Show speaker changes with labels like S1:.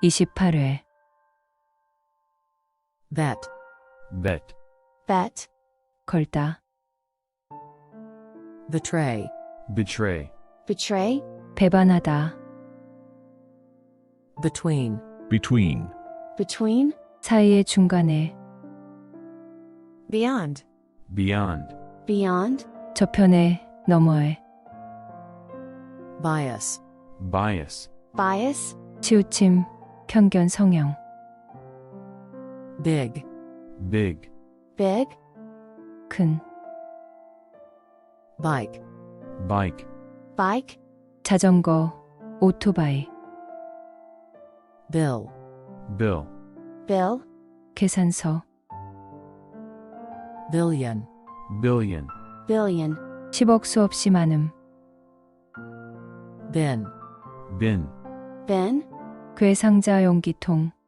S1: 28회
S2: bet,
S3: bet,
S4: bet,
S1: 걸다
S2: betray,
S3: betray,
S4: betray,
S1: 배반하다
S2: between,
S3: between,
S4: between,
S1: 사이의 중간에
S2: beyond,
S3: beyond,
S4: beyond,
S1: 저편에 너머에
S2: bias,
S3: bias,
S4: bias,
S1: 치우침 편견 성형
S2: big,
S3: big,
S4: big,
S1: 큰
S2: bike,
S3: bike,
S4: bike,
S1: 자전거 오토바이
S2: bill,
S3: bill,
S4: bill,
S1: 계산서
S2: billion,
S3: billion,
S4: billion,
S1: 10억 수없이 많음
S2: bin,
S3: bin,
S4: bin,
S1: 괴상자 용기통